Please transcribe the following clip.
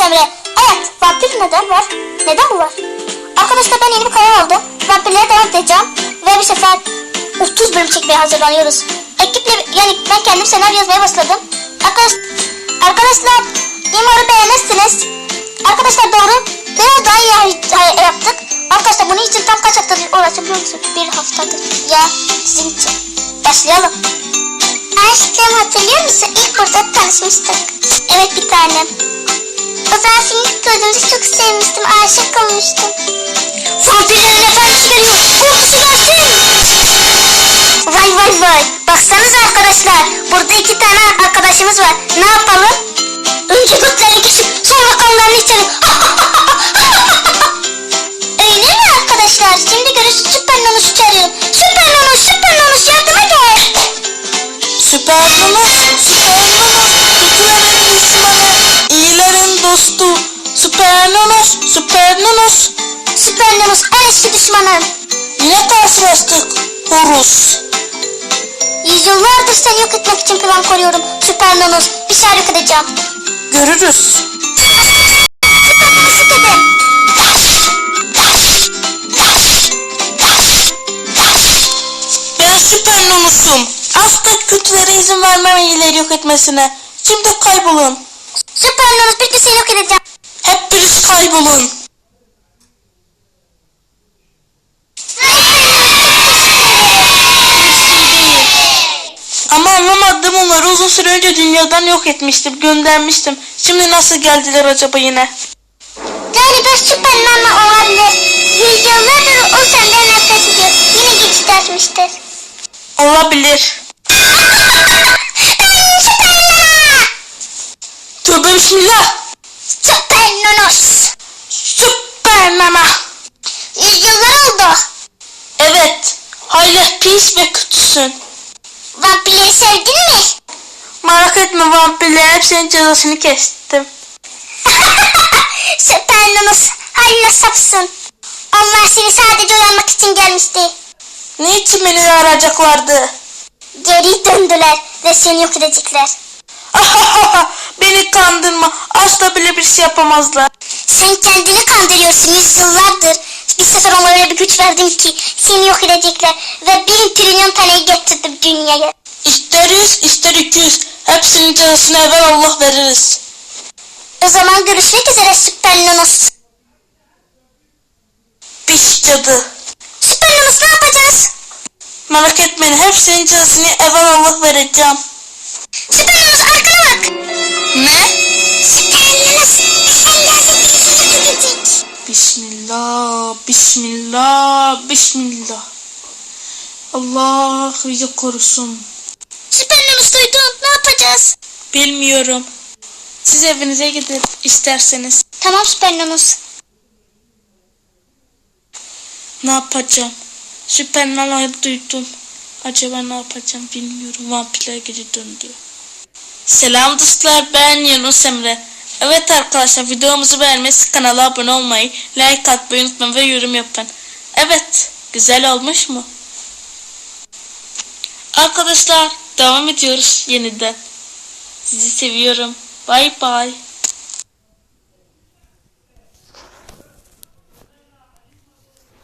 Emre. Evet, vampir neden var? Neden bu var? Arkadaşlar ben yeni bir kanal aldım. Vampirlere devam edeceğim. Ve bir sefer 30 bölüm çekmeye hazırlanıyoruz. Ekiple yani ben kendim senaryo yazmaya başladım. Arkadaşlar umarım beğenirsiniz. Arkadaşlar doğru. Biraz daha iyi yaptık. Arkadaşlar bunun için tam kaç haftadır uğraşabiliyor musunuz? Bir haftadır. Ya sizin için. Başlayalım. Aşkım hatırlıyor musun? İlk burada tanışmıştık. Evet bir tanem. O zaman seni ilk gördüğümde çok sevmiştim. Aşık olmuştum. Vampirlerin efendisi geliyor. Korkusu gelsin. Vay vay vay. Baksanıza arkadaşlar. Burada 2 tane arkadaşımız var. Ne yapalım? Önce göklerini kesip sonra kanlarını içelim. Öyle mi arkadaşlar? Şimdi görüşürüz. Süper Nonos'u çağırıyorum. Süper Nonos, Süper Nonos yardıma gel. Süper Nonos, kötülerin düşmanı, iyilerin dostu. Süper Nonos, Süper Nonos. Süper Nonos en eski düşmanım. Yine karşılaştık, Horus. Yüzyıllardır seni yok etmek için plan kuruyorum. Süper Nonos, bir şey yok edeceğim. Görürüz. Süper Nonos'u dedim. Ben Süper Nonos'um. Asla kötülere izin vermem iyileri yok etmesine. Şimdi kaybolun. Süper Nonos bir de seni yok edeceğim. Hep birisi kaybolun. Ama anlamadım, onları uzun süre önce dünyadan yok etmiştim, göndermiştim. Şimdi nasıl geldiler acaba yine? Galiba Süper Nano olabilir. Yüzyıllardır o senden nefret ediyor. Yine geçit açmıştır. Olabilir. Tövbe bismillah. Süper Nonos. Süper Nana. Yüzyıllar oldu. Evet. Hala pis ve kötüsün. Vampirleri sevdin mi? Merak etme, vampirler hepsinin cezasını kestim. Süper Nonos hala sapsın. Onlar seni sadece uyanmak için gelmişti. Niçin beni arayacaklardı? Geri döndüler ve seni yok edecekler. Beni kandırma. Asla bile bir şey yapamazlar. Sen kendini kandırıyorsun yüzyıllardır. Bir sefer onlara öyle bir güç verdim ki seni yok edecekler. Ve 1 trilyon taneyi getirdim dünyaya. İster 100 ister 200. Hepsinin cezasını evvel Allah veririz. O zaman görüşmek üzere Süper Nonos. Pis cadı. Süper Nonos ne yapacağız? Merak etmeyin, hepsinin cezasını evvel Allah vereceğim. Süper Nonos arkana bak. Ne? Süper Nonos seni yok edecek. Bismillah, bismillah, bismillah. Allah bizi korusun. Süper Nonos duydun, ne yapacağız? Bilmiyorum. Siz evinize gidip isterseniz. Tamam Süper Nonos. Ne yapacağım? Süper Nana'yı duydum. Acaba ne yapacağım bilmiyorum. Vampirler geri döndü. Selam dostlar, ben Yunus Emre. Evet arkadaşlar, videomuzu beğenmeyi, kanala abone olmayı, like atmayı unutmayın ve yorum yapın. Evet, güzel olmuş mu? Arkadaşlar devam ediyoruz yeniden. Sizi seviyorum. Bye bye.